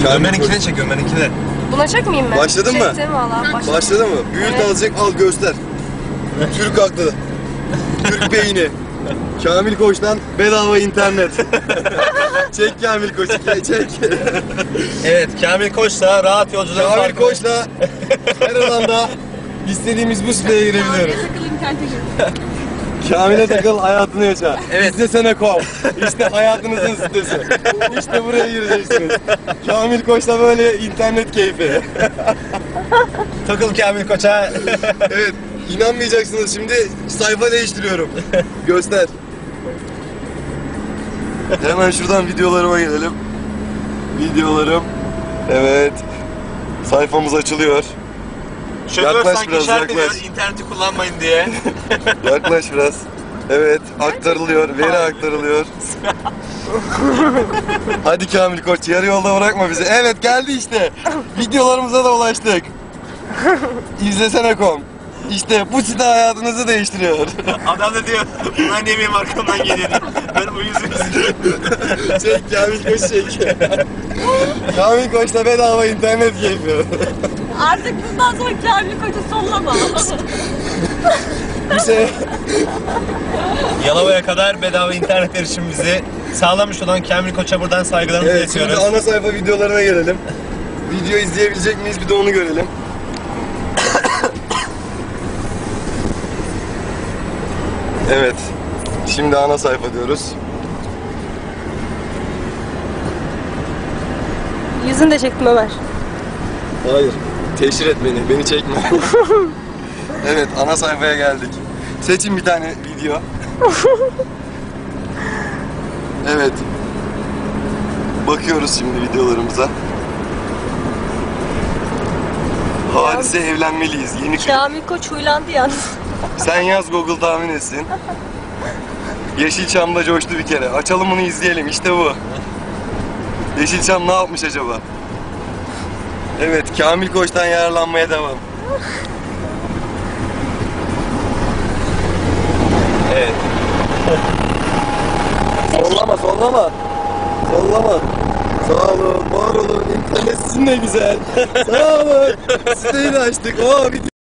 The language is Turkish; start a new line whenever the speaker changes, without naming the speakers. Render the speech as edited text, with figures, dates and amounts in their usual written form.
Ömer'inkine çek, Ömer'inkine.
Buna çekmeyeyim mi?
Başladın mı?
Çektim valla.
Başladı mı? Büyüt
Evet.
azıcık, al göster. Türk aklı. Türk beyni. Kamil Koç'tan bedava internet. Çek Kamil Koç'u, çek.
Evet, Kamil Koç'la rahat yolculuğun
Kamil Koç'la her alanda istediğimiz bu siteye girebiliyoruz. Kamil'e takıl, hayatını yaşa.
Evet.
İstesene.com. İşte hayatınızın sitesi. İşte buraya gireceksiniz. Kamil Koç'la böyle internet keyfi.
Takıl Kamil Koç'a.
Evet, inanmayacaksınız, şimdi sayfa değiştiriyorum. Göster. Hemen şuradan videolarıma gelelim. Videolarım. Evet. Sayfamız açılıyor.
Şoför
Yaklaş
sanki
biraz,
işaret ediyor,
yaklaş.
interneti kullanmayın diye.
Yaklaş biraz. Evet, aktarılıyor, veri aktarılıyor. Hadi Kamil Koç, yarı yolda bırakma bizi. Evet, geldi işte. Videolarımıza da ulaştık. İzlesene.com. İşte bu site hayatınızı değiştiriyor.
Adam da diyor, ulan yemeğim arkamdan geliyor diye. Ben bu yüzümüzü.
Çek Kamil Koç, çek. Kamil Koç'ta bedava internet keyfi.
Artık bundan sonra Kamil Koç'u sollama.
Bir şey...
Yalova'ya kadar bedava internet erişimimizi sağlamış olan Kamil Koç'a buradan saygılarımızı
Evet, şimdi
iletiyoruz.
ana sayfa videolarına gelelim. Video izleyebilecek miyiz, bir de onu görelim. Evet, şimdi ana sayfa diyoruz.
Yüzünü de çektim Ömer.
Hayır, teşhir et beni çekme. Evet, ana sayfaya geldik. Seçin bir tane video. Evet. Bakıyoruz şimdi videolarımıza. Hadise evlenmeliyiz. Yeni klip.
Kamil Koç huylandı yalnız.
Sen yaz, Google tahmin etsin. Yeşilçam'da coştu bir kere. Açalım bunu, izleyelim. İşte bu. Yeşilçam ne yapmış acaba? Evet, Kamil Koç'tan yararlanmaya devam.
Evet.
Sollama. Sollama. Sağ olun, var olun. İnternet sizin de güzel. Sağ olun. Siteyi de açtık.